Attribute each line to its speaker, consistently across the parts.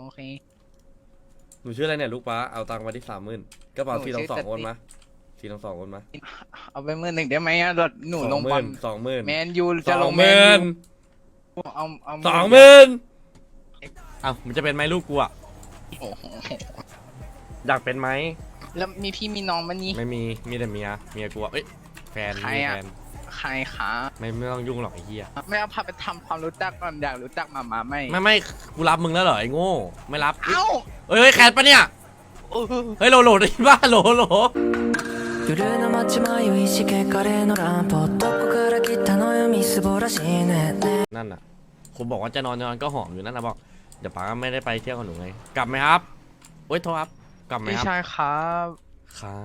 Speaker 1: เค
Speaker 2: หนูชื่ออะไรเนี่ยลูกป้าเอาตังค์มาที่30,000กระเป๋า
Speaker 1: หนูชื่อ
Speaker 2: 422โอน
Speaker 1: สติ
Speaker 2: มา422โอนมา
Speaker 1: เอาไป10,000ได้ไหมอะรถหนูลงบอล
Speaker 2: 20,000
Speaker 1: แมนยูจะลงแมนยูเอา
Speaker 2: 20,000อ้าวมันจะเป็นไหมลูกกูอะ
Speaker 1: โอ้โห
Speaker 2: อยากเป็นไหม
Speaker 1: แล้วมีพี่มีน้องมันนี่
Speaker 2: ไม่มีแต่เมียกูอะเอ้ยแฟน
Speaker 1: ใคร
Speaker 2: มี
Speaker 1: อะ
Speaker 2: แฟน
Speaker 1: ใครคะ
Speaker 2: ไม่ต้องยุ่งหรอกไอ้เหี้ย
Speaker 1: ไม่เอาพาไปทำความรู้จักก่อนอยากรู้จักมาไม่
Speaker 2: ไม่กูรับมึงแล้วเหรอไอ้โง่ไม่รับ
Speaker 1: เอ้า
Speaker 2: เฮ้ยแคทปะเนี่ยเฮ้ยโหลได้บ้าโหล
Speaker 3: 夜の街迷いしけカレーのランプどこから来たのよみすぼらしいね
Speaker 2: นั่นน่ะคุณบอกว่าจะนอนก็หอมอยู่นั่นนะบอกเดี๋ยวป้าไม่ได้ไปเที่ยวกับหนูไงกลับไหมครับโอ๊ยโทษครับกลับไหม
Speaker 1: พี่
Speaker 2: ครับ
Speaker 1: ชายครับ
Speaker 2: ครับ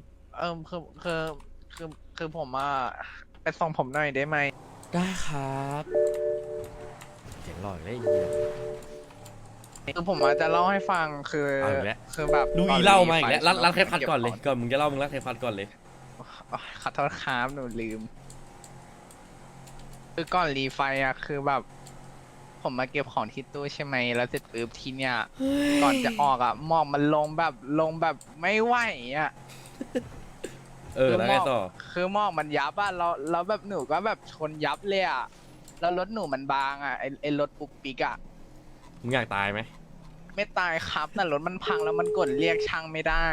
Speaker 1: คือผมไปส่งผมหน่อยได้ไหม
Speaker 2: ได้ครับเสียงหล่อเลยไอ้เหี้ย
Speaker 1: คือผมจะเล่าให้ฟังคือ
Speaker 2: เอาอีกแล้ว
Speaker 1: คือแบบ
Speaker 2: ดู
Speaker 1: ต
Speaker 2: อี
Speaker 1: น
Speaker 2: เล่า
Speaker 1: รี
Speaker 2: มาอีกแล้ว
Speaker 1: ไฟ
Speaker 2: รัดเทปพัดก่อนเลย
Speaker 1: ก็บข
Speaker 2: ก่อนมึงจะเล่ามึงรัดเทปพัดก่อนเลย
Speaker 1: องขอโทษครับหนูลืม คือก่อนรีไฟคือแบบ ผมมาเก็บของที่ตู้ใช่ไหมแล้วเสร็จปุ๊บทีเนี้ยก่อนจะออกหมอกมันลงแบบไม่ไหว
Speaker 2: แล้วไงต่อ
Speaker 1: คือหมอกมันยับแล้วแบบหนูก็แบบชนยับเลยแล้วรถหนูมันบางไอรถปุ๊กปิ๊ก
Speaker 2: มึงอยากตายไหม
Speaker 1: ไม่ตายครับแต่รถมันพังแล้วมันกดเรียกช่างไม่ได้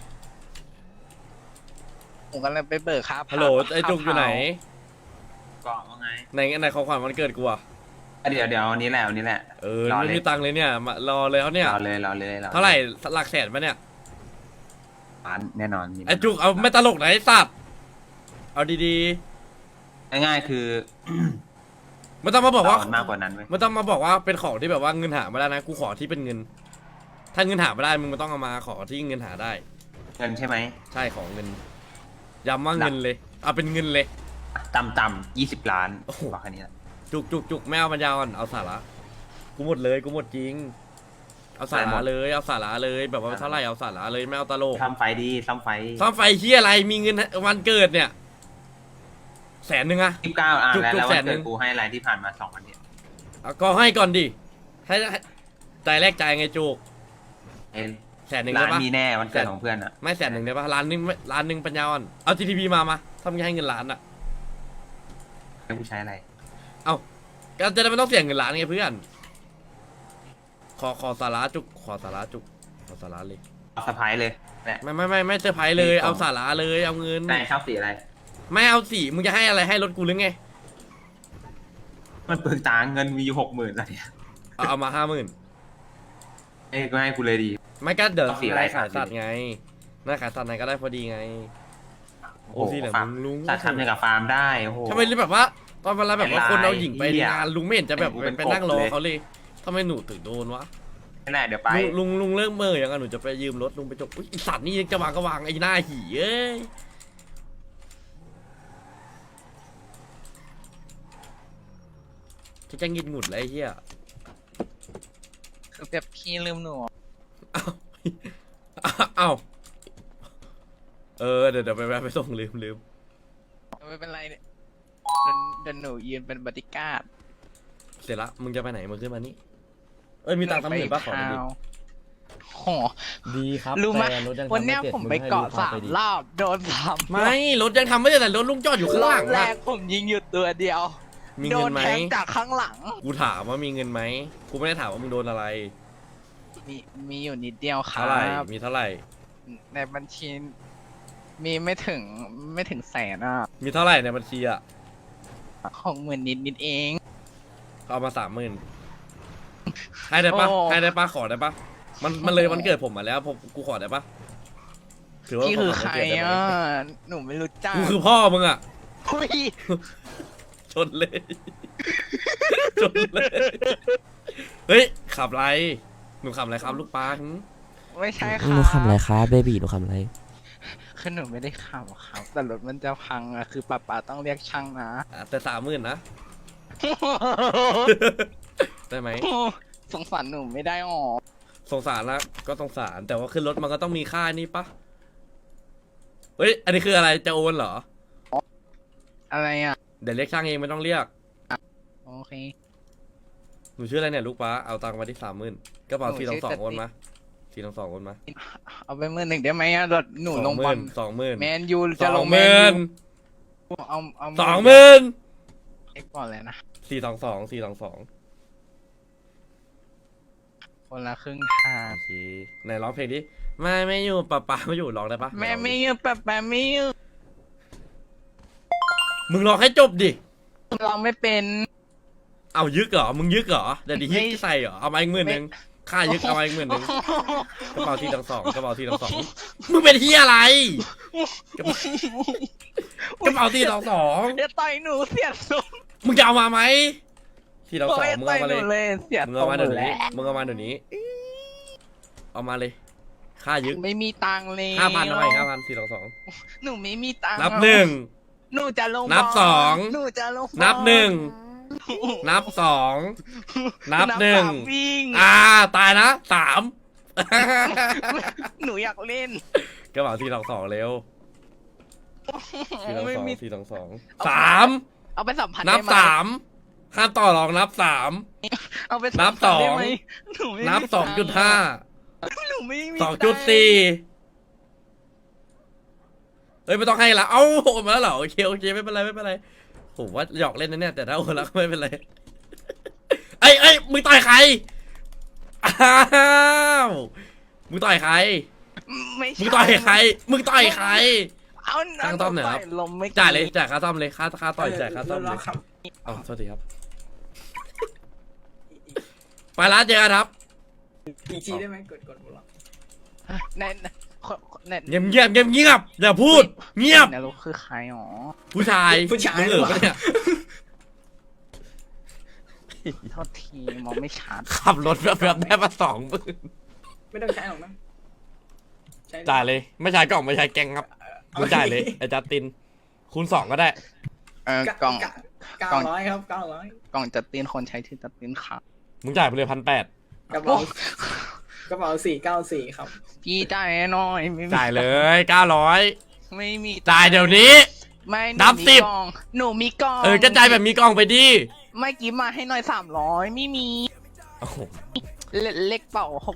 Speaker 1: ผมก็เลยไปเบิกครับ
Speaker 2: ฮัลโหลไอ้จุกอยู่ไหน
Speaker 4: กล่องว่าไง
Speaker 2: ในของขวัญวันเกิดกูอะ
Speaker 4: เดี๋ยววันนี้แหละวันนี้แหละ รอเลย
Speaker 2: ไม่มีตังค์เลยเนี่ยมารอเลยเขาเนี่ย
Speaker 4: รอเลย
Speaker 2: เท่าไหร่หลักแสนปะเนี่ย
Speaker 4: ร้านแน่นอนมี
Speaker 2: ไอ้จุกเอาไม่ตลกไหนไอ้สัตว์เอาดี
Speaker 4: ง่ายๆคือ
Speaker 2: ๆไม่ต้องมาบอกว่า
Speaker 4: มากกว่านั้นเว้ย
Speaker 2: ไม่ต้องมาบอกว่าเป็นของที่แบบว่าเงินหาไม่ได้นะกูขอที่เป็นเงิน ถ้าเงินหาไม่ได้มึงไม่ต้องเอามาขอที่เงินหาได้
Speaker 4: เงินใช่ไหม
Speaker 2: ใช่ของเงินย้ำว่าเงินเลยเอาเป็นเงินเลย
Speaker 4: ต่ำ20 ล้าน
Speaker 2: โอ้โห
Speaker 4: บอกแค่นี้แหละ
Speaker 2: จุกไม่เอาปัญญาอ่อนเอาสาระกูหมดเลยกูหมดจริง เอาสาระเลยเอาสาระเลยแบบว่าเท่าไหร่เอาสาระเลยไม่เอาตลก
Speaker 4: ทำไฟดีทำไฟ
Speaker 2: ซ่อมไฟเฮียอะไรมีเงินวันเกิดเนี่ย100,000อะ
Speaker 4: 29
Speaker 2: จุก
Speaker 4: แล้ว
Speaker 2: แส
Speaker 4: วัน
Speaker 2: นหนึ่
Speaker 4: เกิด
Speaker 2: ง
Speaker 4: กูให้อะไรที่ผ่านมา2 วันเนี่ย
Speaker 2: เอาก็ให้ก่อนดิให้ใจแรกใจไงจุก
Speaker 4: ไอ้
Speaker 2: 100,000
Speaker 4: ร้า
Speaker 2: ได้
Speaker 4: น
Speaker 2: ปะ
Speaker 4: มีแน่วันเกิดของเพื่อนอ่ะ
Speaker 2: ไม่100,000ได้ปะล้านหนึ่งปัญญาอ่อนเอา GTP มาถ้ามึงให้เงินล้านอะ
Speaker 4: ให้กูใช้อะไร
Speaker 2: เอาก็จะได้ไม่ต้องเสียเงินล้านไงเพื่อนขอสาระจุกขอสาระจุกขอสาระเลย
Speaker 4: เอาสะพายเลยแหละ
Speaker 2: ไม่เซอร์ไพรส์เลยเอาสาระเลยเอาเงิน
Speaker 4: ไหนชอบสีอะไร
Speaker 2: ไม่เอาสีมึงจะให้อะไรให้รถกูหรือไง
Speaker 4: มันเปลืองตังค์เงินมีอยู่60,000แล้วเนี่ย
Speaker 2: เอามา50,000
Speaker 4: เอ้ยก็ให้กูเลยดี
Speaker 2: ไม่ก็เดี๋ยว
Speaker 4: เอาสีอะไร
Speaker 2: ขายสัตว์ไงน่าขายสัตว์ไหนก็ได้พอดีไง โอ้สีเหลือง
Speaker 4: ฟาร์ม
Speaker 2: ลุง
Speaker 4: สัตว์ทำอย่างกับฟาร์มได้โอ้โห
Speaker 2: ทำไมแบบว่า ตอนเวลาแบบว่าคนเอาหญิงไป
Speaker 4: ไอ้ลาย
Speaker 2: งานลุงไม่เห็นจะแบบ
Speaker 4: เป็น
Speaker 2: ไปนั่งรอ
Speaker 4: เป็นกบเลย
Speaker 2: เขาเลยทำไมหนูถึงโดนวะ
Speaker 4: นั่นแหละเดี๋ยวไป
Speaker 2: ลุงเลิกเมื่อยังไงหนูจะไปยืมรถลุงไปจบอุ๊ยไอสัตว์นี่ยังจะวางก็วางไอ้หน้าหี่เอ้ยจะงิดหงุดเลยไอ้เหี้ย
Speaker 1: คือแบบพี่ลืมหนู
Speaker 2: เอ้าเดี๋ยวไปแวะไปส่งลืม
Speaker 1: ไม่เป็นไรเนี่ยเดินหนูยืนเป็นบอดี้การ์ด
Speaker 2: เสร็จละมึงจะไปไหนมึงขึ้นมานี่มีตังค์30,000ป่ะขอหน่อยดิ
Speaker 1: โห
Speaker 5: ดีครับ
Speaker 1: รู้ไหม
Speaker 5: แต่รถยังทำ
Speaker 1: วันเนี้ย
Speaker 5: ไสร็จ
Speaker 1: ผมไปเกาะ
Speaker 5: งให้
Speaker 1: สาม
Speaker 5: ลูกค้
Speaker 1: รอบโดนสาม
Speaker 2: ไม่รถยังทำไม่ได้แต่รถลุงจอดอยู่ข้าง
Speaker 1: ร
Speaker 2: ห
Speaker 1: อ
Speaker 2: ลั
Speaker 1: บ
Speaker 2: ง
Speaker 1: แร
Speaker 2: อะ
Speaker 1: กผมยิงอยู่ตัวเดียว
Speaker 2: มี
Speaker 1: โด
Speaker 2: เงิ
Speaker 1: น
Speaker 2: นไหม
Speaker 1: แทงจากข้างหลัง
Speaker 2: กูถามว่ามีเงินไหมกูไม่ได้ถามว่ามึงโดนอะไร
Speaker 1: มีอยู่นิดเดียวครั
Speaker 2: เท่าไหร่
Speaker 1: บ
Speaker 2: มีเท่าไหร่
Speaker 1: ในบัญชีมีไม่ถึงแสน
Speaker 2: มีเท่าไหร่ในบัญชีอะ
Speaker 1: 60,000นิดเอง
Speaker 2: เอามา30,000ให้ได้ปะ
Speaker 1: โอ้
Speaker 2: ให้ได้ปะขอได้ปะมันเลยวันเกิดผมมาแล้วผมกูขอได้ปะถือว่า
Speaker 1: พี่คือใคร
Speaker 2: ขวัญวันเกิดได้ไหม
Speaker 1: หนูไม่รู้จัก
Speaker 2: กูคือพ่อมึงอะ
Speaker 1: อุ้ย
Speaker 2: ชนเลย ชนเลย เฮ้ยขับไรหนูขับอะไรครับลูกปลาหึ
Speaker 1: ไม่ใช่ค
Speaker 5: หนู
Speaker 1: รับ
Speaker 5: คำอะไรครับเบบี้หนูคำอะไร
Speaker 1: คือหนูไม่ได้ขับครับ แต่รถมันจะพังคือป้าต้องเรียกช่างนะ
Speaker 2: แต่30,000นะ ได้ไหม
Speaker 1: สงสารหนูไม่ได้หรอ
Speaker 2: สงสารนะก็สงสารแต่ว่าขึ้นรถมันก็ต้องมีค่านี่ปะเฮ้ยอันนี้คืออะไรจะโอนเหรอ
Speaker 1: อะไรอ่ะ
Speaker 2: เดี๋ยวเรียกช่างเองไม่ต้องเรียก
Speaker 1: โอเค
Speaker 2: หนูชื่ออะไรเนี่ยลูกป้าเอาตังค์มาที่30,000กระเป๋า422โอนมา422โอนมา
Speaker 1: เอาไป11,000ได้ไหมอะเดี๋ยวหนูลงบอล
Speaker 2: 20,000
Speaker 1: แมนยูจะลงแมนยูเอา
Speaker 2: 20,000
Speaker 1: เอ็กก่อนเลยนะ
Speaker 2: 422
Speaker 1: คนละครึ่งทาง
Speaker 2: โอเคไหนร้องเพลงดิไม่อยู่ป้าไม่อยู่ร้องได้ปะ
Speaker 1: แม่ไม่ยืมแปะไม่ยืม
Speaker 2: มึงร้องให้จบดิ
Speaker 1: เราไม่เป็น
Speaker 2: เอายึกเหรอมึงยึกเหรอเดี๋ยวดิยึก
Speaker 1: ไม่
Speaker 2: ใส่เหรอเอามาอีก10,000ค่ายึกเอามาอีก10,000กระเป๋า422กระเป๋า422มึงเป็นเฮียอะไรกระเป๋า422
Speaker 1: อย่าต่อยหนูเสียทรง
Speaker 2: มึงจะเอามาไหม422
Speaker 1: โอ้ย
Speaker 2: มึง
Speaker 1: ต่อ
Speaker 2: เอา
Speaker 1: ย
Speaker 2: มา
Speaker 1: ห
Speaker 2: เล
Speaker 1: นู
Speaker 2: ย
Speaker 1: เลยเสีย
Speaker 2: มึง
Speaker 1: ทร
Speaker 2: เอา
Speaker 1: ง
Speaker 2: มา
Speaker 1: หม
Speaker 2: เดี๋ย
Speaker 1: ด
Speaker 2: ว
Speaker 1: แล้
Speaker 2: นี้
Speaker 1: ว
Speaker 2: มึงเอามาเดี๋ยวนี้เอามาเลยค่ายึก
Speaker 1: ไม่มีตังค์เลย
Speaker 2: 5,000เอาไป422
Speaker 1: หนูไม่มีตังค์
Speaker 2: นับ
Speaker 1: หนูจะลง
Speaker 2: นับ
Speaker 1: อล
Speaker 2: สอง
Speaker 1: หนูจะลง
Speaker 2: นับ
Speaker 1: อล
Speaker 2: 1 นับ 2 นับ
Speaker 1: สาม
Speaker 2: 1
Speaker 1: วิ่ง
Speaker 2: ตายนะ3
Speaker 1: หนูอยากเล่น
Speaker 2: กระเป๋า422เร็ว
Speaker 1: ไม่มี
Speaker 2: 422 3
Speaker 1: เอาไป2,000
Speaker 2: นับ
Speaker 1: ได้ไหม
Speaker 2: 3ห้ามต่อรองนับ3
Speaker 1: เอาไป
Speaker 2: นับ
Speaker 1: 2,000ได้ไหม
Speaker 2: 2
Speaker 1: หนูไม่
Speaker 2: นับ
Speaker 1: มีตังค์
Speaker 2: 2.5
Speaker 1: หนูไม่มี
Speaker 2: 2.4เอ้ยไม่ต้องให้ละเอ้าโอนมาแล้วเหรอโอเคไม่เป็นไรผมว่าหยอกเล่นนะเนี่ยแต่ถ้าโอนแล้วก็ไม่เป็นไรเอ้ยมึงต่อยใครอ้าวมึงต่อยใคร
Speaker 1: ไม่
Speaker 2: มึง
Speaker 1: ใช่
Speaker 2: ต่อยใครมึงต่อยใคร
Speaker 1: เอา
Speaker 2: ตั้งต้อมหน่อยครับ
Speaker 1: ลมไม่
Speaker 2: จ่ายเลยจ่ายค่าซ่อมเลยค่าต่อยจ่ายค่าซ่อมเลย
Speaker 4: ครับ
Speaker 2: อ๋อโทษทีครับไปร้านเจอกันครับ
Speaker 4: อีกทีได้ไหมกดหมดแล้ว
Speaker 1: แน่แน่
Speaker 2: เงียบอย่าพูดเงียบ
Speaker 1: เนี่ยลูกคือใครหรอ
Speaker 2: ผู้ชายมึงเหรอปะเนี่ย
Speaker 1: โทษทีมองไม่ชัด
Speaker 2: ขับรถแบบได้มา20,000
Speaker 4: ไม่ต้องใช้หรอกนะใช้
Speaker 2: จ่ายเลยไม่ใช่กล่องไม่ใช่แกงครับมึงจ่ายเลยไอ้จัสตินคูณ2ก็ได้
Speaker 1: กล่อง
Speaker 4: 900ครับ900
Speaker 1: กล่องจัดตีนคนใช้ชื่อจัดตีนค่ะ
Speaker 2: มึงจ่ายไปเลย1,800
Speaker 4: กระเป๋า494ครับ
Speaker 1: พี่จ่ายหน่อยไม่มี
Speaker 2: จ่ายเลย900
Speaker 1: ไม่มี
Speaker 2: จ่ายเดี๋ยวนี้
Speaker 1: ไม่ห
Speaker 2: นับ
Speaker 1: มี
Speaker 2: 10
Speaker 1: กล่องหนูมีกล่อง
Speaker 2: ก็จ่ายแบบมีกล่องไปดิ
Speaker 1: ไม่กี่มาให้หน่อย300ไม่มี
Speaker 2: โอ้โห
Speaker 1: เลขเป่า610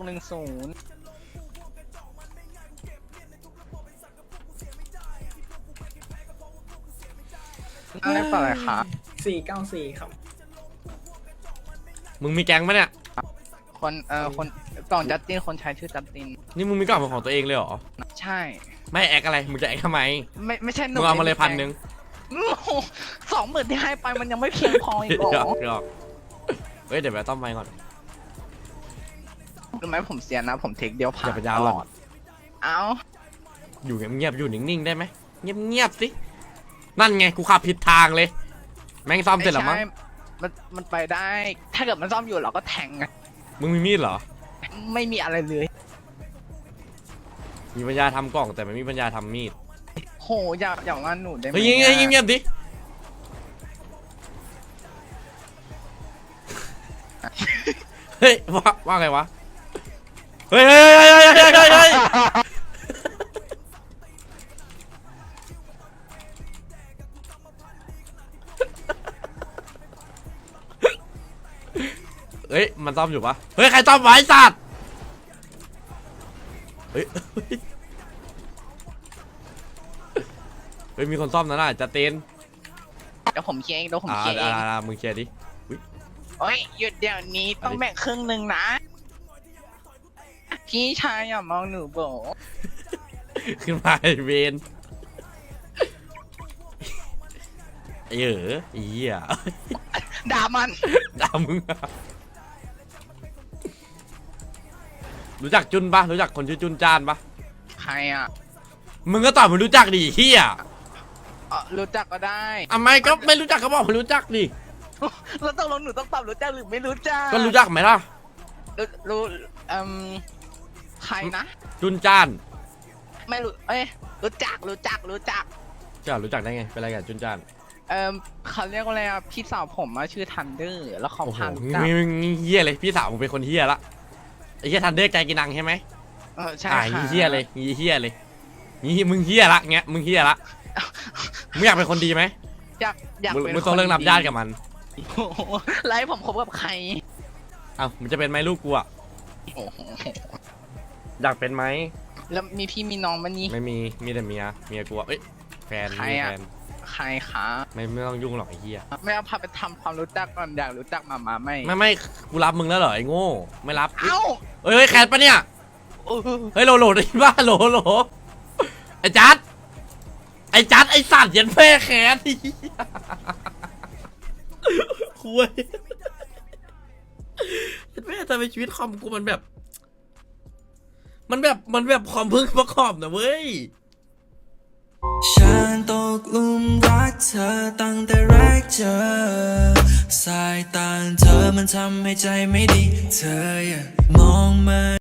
Speaker 1: เลขเป่าอะไรคะ
Speaker 4: 494ครับ
Speaker 2: มึงมีแก๊งปะเนี่ย
Speaker 1: คนคนกล่องจัดตีนคนใช้ชื่อจัดตีน
Speaker 2: นี่มึงมีกล่องเป็นของตัวเองเลยเหรอ
Speaker 1: ใช่
Speaker 2: ไม่แอคอะไรมึงจะแอคทำไม
Speaker 1: ไม่ใช่หนู
Speaker 2: มึงเอามาเลย1,000
Speaker 1: 20,000ที่ให้ไปมันยังไม่เพียงพออีกเหร
Speaker 2: หย
Speaker 1: อ
Speaker 2: อกเฮ้ยเดี๋ยวไปต้อมไม้ก่อน
Speaker 1: รู้ไหมผมเสียนะผมเทคเดียวผ่า
Speaker 2: อย่าไปยาว
Speaker 1: ต
Speaker 2: หร
Speaker 1: ล
Speaker 2: อก
Speaker 1: อดเอ้า
Speaker 2: อยู่เงียบๆอยู่นิ่งๆได้ไหมเงียบๆสินั่นไงกูขับผิดทางเลย แม่งซ่อมเสร็จแล้วมั้ง
Speaker 1: ไใช่มันไปได้ ถ้าเกิดมันซ่อมอยู่เราก็แทงไง
Speaker 2: มึงมีมีดเหรอ
Speaker 1: ไม่มีอะไรเลย
Speaker 2: มีปัญญาทำกล่องแต่ไม่มีปัญญาทำมีด
Speaker 1: โหอย่างนั้นหนูได้ไหม
Speaker 2: เฮ้ยเงียบๆดิเฮ้ยว่าไงวะเฮ้ยเฮ้ยมันซ่อมอยู่ปะเฮ้ยใครซ่อมไว้สัตว์เฮ้ยเฮ้ยมีคนซ่อมนะน่ะจะเต้น
Speaker 1: เดี๋ยวผมเคลียร์เองเดี๋ยวผมเคลียร์เอง
Speaker 2: มึงเคลียร์ดิ
Speaker 1: โอ้ยหยุดเดี๋ยวนี้ต้องแบ่งครึ่งหนึ่งนะ พี่ชายอย่ามองหนูโบ
Speaker 2: ขึ้นมาไอ้เวนไอ้อีอ่ะ
Speaker 1: ด่ามัน
Speaker 2: ด่ามึงอะรู้จักจุนปะรู้จักคนชื่อจุนจานปะ
Speaker 1: ใครอ่ะ
Speaker 2: มึงก็ตอบมึงรู้จักดิเฮีย
Speaker 1: รู้จักก็ได้
Speaker 2: อ่ะไม่ก็ไม่รู้จักก็บอกมึงรู้จักดิ
Speaker 1: แล้วตกลงหนูต้องตอบรู้จักหรือไม่รู้จัก
Speaker 2: ก็รู้จักไหมล่ะ
Speaker 1: รู้ใครนะ
Speaker 2: จุนจาน
Speaker 1: ไม่รู้เอ้ยรู้จัก
Speaker 2: จะรู้จักได้ไงเป็นอะไรกับจุนจาน
Speaker 1: เขาเรียกว่าอะไรอ่ะพี่สาวผมอะชื่อทันเดอร์แล้วเขา
Speaker 2: โอ้โห
Speaker 1: พารู้จัก
Speaker 2: เฮียเลยพี่สาวมึงเป็นคนเฮียละไอ้เฮียทันเดอร์ใจกินังใช่ไหม
Speaker 1: ใช่
Speaker 2: งี้
Speaker 1: ค่ะ
Speaker 2: เฮียเลยงี้เฮียเลยงี้มึงเฮียละเงี้ยมึงเฮียละมึงอยากเป็นคนดีไหม
Speaker 1: อยากเป็น
Speaker 2: มึงต้องเลิกนับญาติกับมัน
Speaker 1: โอ้โหไล่ผมคบกับใคร
Speaker 2: เอ้ามันจะเป็นไหมลูกกูอะ
Speaker 1: โอ้โห
Speaker 2: อยากเป็นไหม
Speaker 1: แล้วมีพี่มีน้องมันนี่
Speaker 2: ไม่มีมีแต่เมียกูอะเอ้ยแฟน
Speaker 1: ใคร
Speaker 2: มี
Speaker 1: อะ
Speaker 2: แฟน
Speaker 1: ใครคะ
Speaker 2: ไม่ต้องยุ่งหรอกไอ้เหี้ย
Speaker 1: ไม่เอาพาไปทำความรู้จักก่อนอยากรู้จักมาไหม
Speaker 2: ไม่กูรับมึงแล้วเหรอไอ้โง่ไม่รับ
Speaker 1: เอ้า
Speaker 2: เฮ้ยแคทปะเนี่ย
Speaker 1: เออ
Speaker 2: เฮ้ยโหลได้ยินป่ะโหลไอ้จัดไอ้สัตว์ยันแม่แคทไอ้เหี้ยคุยยันแม่ทำไมชีวิตคอมกูมันแบบคอมพึ่งประกอบนะเว้ย
Speaker 3: ฉันตกหลุมรักเธอตั้งแต่แรกเจอสายตาเธอมันทำให้ใจไม่ดี เธออย่ามองมา